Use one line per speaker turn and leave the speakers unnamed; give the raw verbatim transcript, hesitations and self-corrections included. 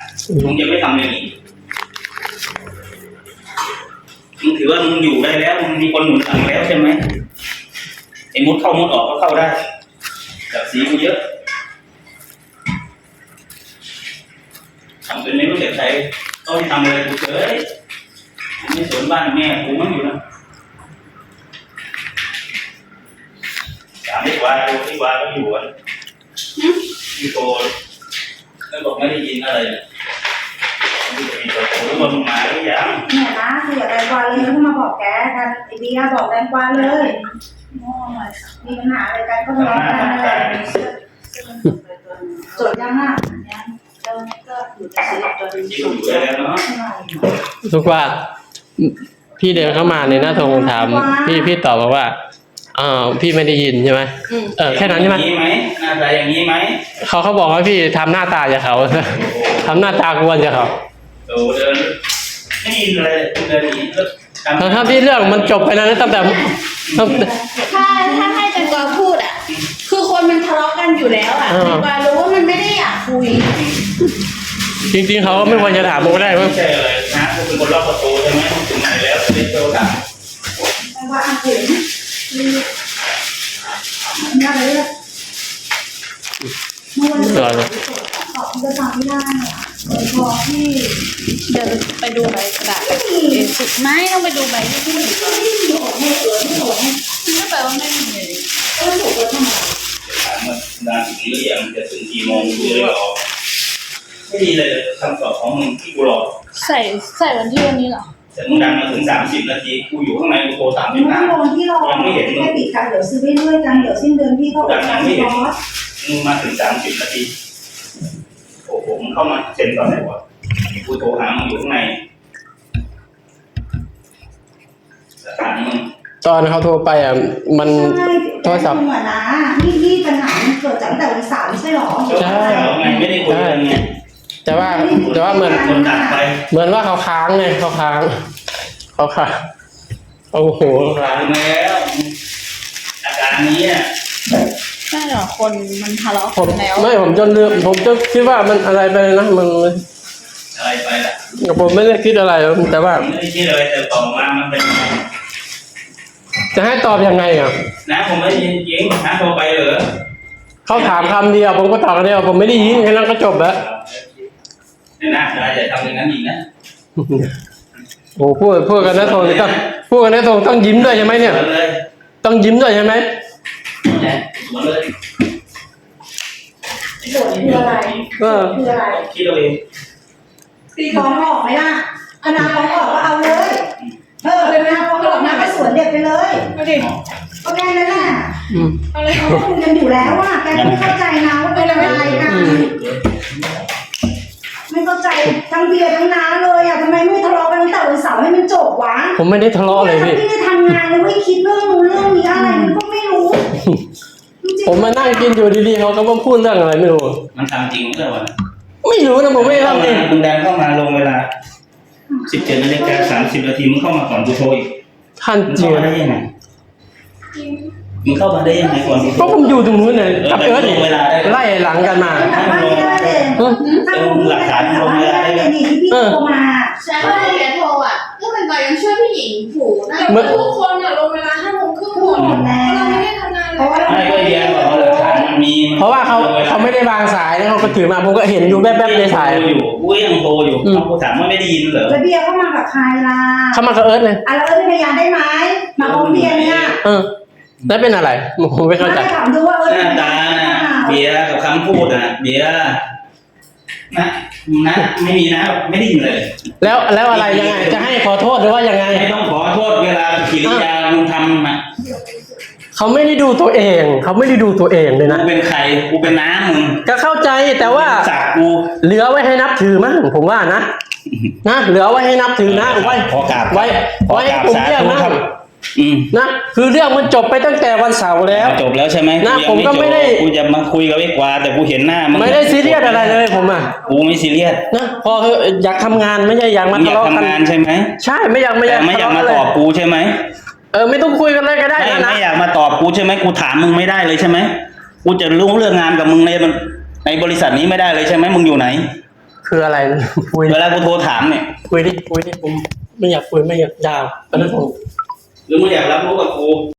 มึงยังไม่ทำอย่างนี้มึงถือว่ามึงอยู่ได้แล้วมึงมีคนหนุนหลังแล้วใช่ไหมไอ้มุดเข้ามุดออกก็เข้าได้กับสีกูเยอะทำเป็นไม่รู้จักใครต้องทำอะไรกูเฉยไม่สวนบ้านแม่กูมันอยู่นะสามดีกว่าดูดีกว่าก็อยู่อ่ะพี่โตแล้วบอกไม่ได้ยินอะไรเลยพี่โตรู้ว่ามึงมาหรือยัง
เนี่ยนะคืออย่าแตงกวาเลยต้องมาบอกแกกันไอเบียบอกแตงกวาเลยมีปัญหาอะไรกันก็ทะเลาะกันเลยจดยังอ่ะเจ้านี่ก็อยู่จะซื้อตัวนึง
อยู่ได้แล้วเนาะ
ทุกว่าพี่เดินเข้ามาในหน้าโทรถามพี่พี่ตอบมาว่าอ่าพี่ไม่ได้ยินใช่ไหมเออแค่นั้นใช่ไหม
ไหมหน้าตาอย่างนี้ไหม
เขาเขาบอกว่าพี่ทำหน้าตาอย่างเขาทำหน้าตากวนอย่างเขา
โอ้เดินไม่ยินเลยเดินอย่างนี้
ถ้าพี่เรื่องมันจบไปแล้วนะตั้งแต่
ถ้าถ้าให้แตงกวาพูดอ่ะคือคนมันทะเลาะกันอยู่แล้วอ่ะแตงกวารู้ว่ามันไม่ได้อยากคุย
จริงๆเขาไม่ควรจะถามผมก็ได้มั้ง
ไม่ใช่เลยนะคุณเป็นคนล็อกประตูใช่ไหมถึงไหนแล้วเป็นโจรอ่ะ
แตงกวาอ่ะเห็นน่าเลยเมื่อวันก่อนตอบจะฟังไม่ได้เนี่ยพอที่
เดินไปดูใบกระดาษสุดไม่ต้องไปดูใบที่พี่หนึ่งก่อน
ไม่มีออกไม่เกิดไม่ออกไม่
ไม่แปลว่าไม่มีเลย
ก็ถูกแล้วทำไม
ถามว่านานถึงหรือยังจะถึงกี่โมงกูเลยออกไม่ดีเลยคำตอบของมึงที่กูรอ
ใส่ใส่วันที่วันนี้เหรอ
แต่มึงดังมาถึงสามสิบนาทีกูอยู่ข้างในกูโทรสามสิบนาที
รอที่รอยังไม่เห็นมึงแค่ปิดกันเดี๋ยวซื้อไปเรื่อยกันเดี๋ยวสิ้นเดือนพี่เขาออกมาที่รอ
มึงมาถึงสามสิบนาทีโอ้โหมึงเข้ามาเซ็นตอนไหนวะกูโทรหามึงอยู่ข้างในสถานมึง
ตอนเขาโทรไปอ่ะมันโทรศัพท์
เหมือนนะนี่นี่ปัญหาเกิดจากแต่วันเสาร์ไม่ใช่หรอ
ใช่
ไงไม่ได้คุยกันไง
แต่ว่าแต่ว่าเหมือนเหมือนว่าเขาค้างไงเขาค้างเขาค้างโอ้โห
ค้างแล้วอาการนี้อ่ะ
ใช่หรอคนมันทะเลาะกันแล้ว
ไม่ผมจนลืมผมจะคิดว่ามันอะไรไปนะมัน
อะไรไปล่ะ
ผมไม่ได้คิดอะไรแต่ว่า
ไม่ได้คิดอะไรแต่ต่อมามันเป็นยังไง
จะให้ตอบยังไงอ่ะ
นะผมไม่ได้ยินจริงนะโทรไปเหรอ
เขาถามคำเดียวผมก็ตอบคำเดียวผมไม่ได้ยินแค่นั้นก็จบแล้ว
เนี่ยนะอย่าทำอย่างนั้นอีกนะ
โอ้พูดพูดกันนะโทรต้องพูดกันนะโทรต้องยิ้มด้วยใช่ไหมเนี่ยต้องยิ้มด้วยใช่ไหม
หมดเลย
โจทย์คืออะไร
เออ
คืออะไร
คิดเอาเอง
ตีฟ้องออกไหมล่ะอนาฟ้องออกก็เอาเลยเออเลยนะฟ้องออกนะไปสวนเด็กไปเลยก็ดิก็แค่นั้นแหละอะไรเขาคุยกันอยู่แล้วอ่ะแกต้องเข้าใจนะว่าเป็นอะไรกันไม่เข้าใจทั้งเบียร์ทั้งน้าเลยอ่ะทำไมไม่ทะเลาะกันตั้งแต่วันเสาร์ให้มันจบวะ
ผมไม่ได้ทะเลาะเลยพี่
พี่ได้ทำงานแล้วไม่คิดเรื่องนู้นเรื่องนี้อะไรมันก็ไม่รู้
ผมมานั่งกินอยู่ดีๆเขาก็มาพูดเรื่องอะไรไม่รู้
มันทำจริงเมื่อวัน
ไม่รู้นะผมไม่ทำจริง
มึงดันเข้ามาลงเวลาสิบเจ็ดนาฬิกาสามสิบนาทีมึงเข้ามาก่อนกูโทรอีก
ท่านจริง
ได้ยังไงมึงเข้ามาได้ยังไงก่อน
ก็ผมอยู่ตรงนู้นเลยกับเอิร์ธไล่หลังกันมา
หลักฐานลงเวลาได้เลย
ที่พี่โทรมา
ใช่ว่าแกโทรอ่ะก็เป็นก่อนยังช่วยพี่หญิงผูนะทุกคนอ่ะลงเวลาห้าโมงครึ่งหมดแล้วเราไม่ได้ทำงานเลย
ไม่ก็เรียนบอกว่าหลักฐานมันมี
เพราะว่าเขาเขาไม่ได้วางสายแล้วเขาก็ถือมาผมก็เห็นอยู่แป๊บๆในสาย
อยู่กูยังโทรอยู่เขาถามว่าไม่ได้ยินเหรอ
แล้วเบียร์เข้ามากับใครล่ะ
เขามากับเอิร์ธเลย
อ่ะแล้วเอิร์ธเป็นพยานได้ไหมมาพร้อมเบียร์เนี่ย
เออแล้วเป็นอะไรผมไม่เข้าใจ
ถามดูว่าเอิร์ธ
หน้าตาเบียร์กับคำพูดอ่ะเบียร์นะนะไม่มีนะไม่ได้ยินเลย
แล้วแล้วอะไรยังไงจะให้ขอโทษหรือว่ายังไง
ไม่ต้องขอโทษเวลากิริยามึงทำมา
เขาไม่ได้ดูตัวเองเขาไม่ได้ดูตัวเองเลยนะ
กูเป็นใครกูเป็นน้ามึง
ก็เข้าใจแต่ว่า
กู
เหลือไว้ให้นับถือมั้งผมว่านะนะเหลือไว้ให้นับถือนะไว้ไว้ไว้ผมเรียกนะนะคือเรื่องมันจบไปตั้งแต่วันเสาร์แล้ว
จบแล้วใช่ไหม
นะผมก็ไม่ได้
กูจะมาคุยกับไอ้กวาแต่กูเห็นหน้ามัน
ไม่ได้ซีเรียสอะไรเลยผมอ่ะ
กูไม่ซีเรียส
นะพออยากทำงานไม่ใช่อยากมาทะเลาะกัน
ทำงานใช่ไหม
ใช่ไม่อยากไม่อยาก
ไม่อยากมาตอบกูใช่ไหม
เออไม่ต้องคุยกันเลยก็ได้
นะไม่อยากมาตอบกูใช่ไหมกูถามมึงไม่ได้เลยใช่ไหมกูจะรู้เรื่องงานกับมึงในในบริษัทนี้ไม่ได้เลยใช่ไหมมึงอยู่ไหน
คืออะไรคุย
เวลากูโทรถามเนี่ย
คุยดิคุยดิผมไม่อยากคุยไม่อยากยาวตอนนั้นผม
หรือมึงอยากรับรู้กับกู